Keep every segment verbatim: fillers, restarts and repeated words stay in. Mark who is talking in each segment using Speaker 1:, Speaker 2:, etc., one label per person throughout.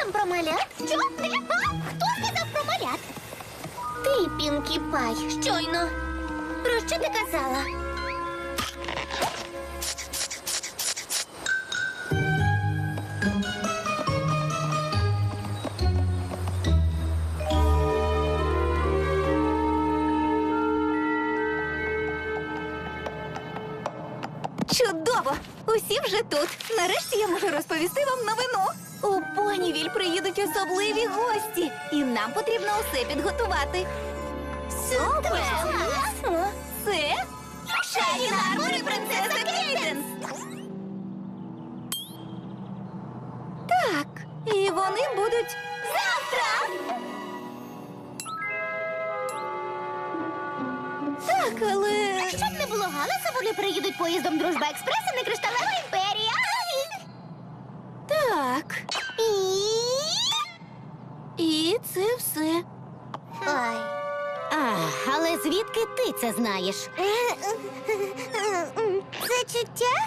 Speaker 1: там про малят? Що? А? Хто сказав про малят? Ти, Пінкі Пай, щойно. Про що ти казала?
Speaker 2: Чудово! Усі вже тут. Нарешті я можу розповісти вам новину. У Понівіль приїдуть особливі гості, і нам потрібно усе підготувати. Супер! Це Шайні Армор і принцеса Кейденс! Так, і вони будуть завтра! Так, але...
Speaker 1: Щоб не було галасу, вони приїдуть поїздом Дружба Експрес і не Кришталева імперія.
Speaker 2: Так,
Speaker 1: І...
Speaker 2: і це все.
Speaker 1: Ой.
Speaker 3: А, але звідки ти це знаєш?
Speaker 1: Це чуття?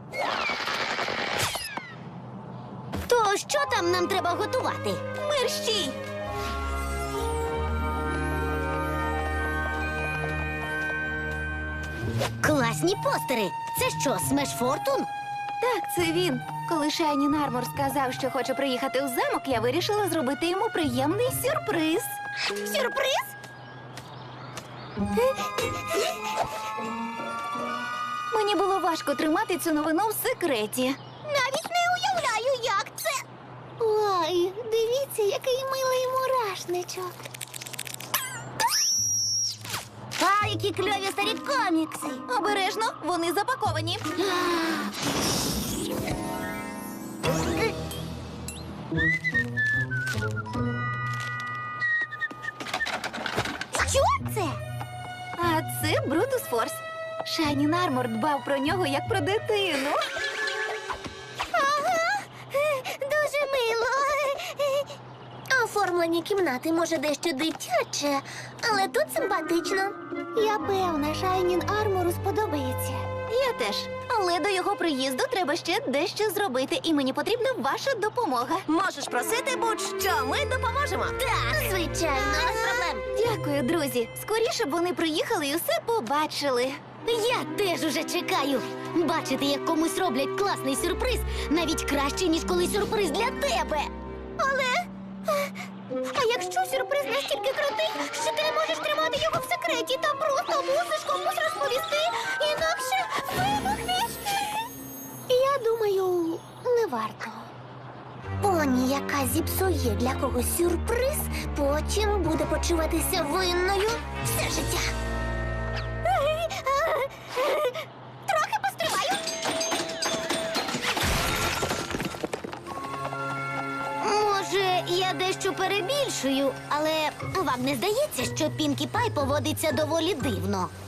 Speaker 3: То що там нам треба готувати?
Speaker 2: Мерщій!
Speaker 3: Класні постери. Це що, Смеш Фортун?
Speaker 2: Так, це він. Коли Шайнін Армор сказав, що хоче приїхати у замок, я вирішила зробити йому приємний сюрприз.
Speaker 1: Сюрприз?
Speaker 2: Мені було важко тримати цю новину в секреті.
Speaker 1: Навіть не уявляю, як це. Ой, дивіться, який милий мурашничок.
Speaker 3: А, які кльові старі комікси.
Speaker 2: Обережно, вони запаковані.
Speaker 1: Що це?
Speaker 2: А це Брутус Форс. Шайнін Армор дбав про нього як про дитину.
Speaker 1: Ага, дуже мило. Оформлені кімнати, може, дещо дитяче, але тут симпатично. Я певна, Шайнін Армору сподобається.
Speaker 2: Я теж. Але до його приїзду треба ще дещо зробити, і мені потрібна ваша допомога.
Speaker 3: Можеш просити будь-що, ми допоможемо.
Speaker 1: Так, звичайно, без проблем.
Speaker 2: Дякую, друзі. Скоріше б вони приїхали і усе побачили.
Speaker 3: Я теж уже чекаю. Бачити, як комусь роблять класний сюрприз, навіть краще, ніж коли сюрприз для тебе.
Speaker 1: Але... А якщо сюрприз настільки крутий, що ти не можеш тримати його в секреті та просто мусиш комусь розповісти, інакше вибухнеш? Я думаю, не варто. Поні, яка зіпсує для когось сюрприз, потім буде почуватися винною все життя. Трохи постриваю.
Speaker 3: Може, я дещо перебільшую, але вам не здається, що Пінкі Пай поводиться доволі дивно?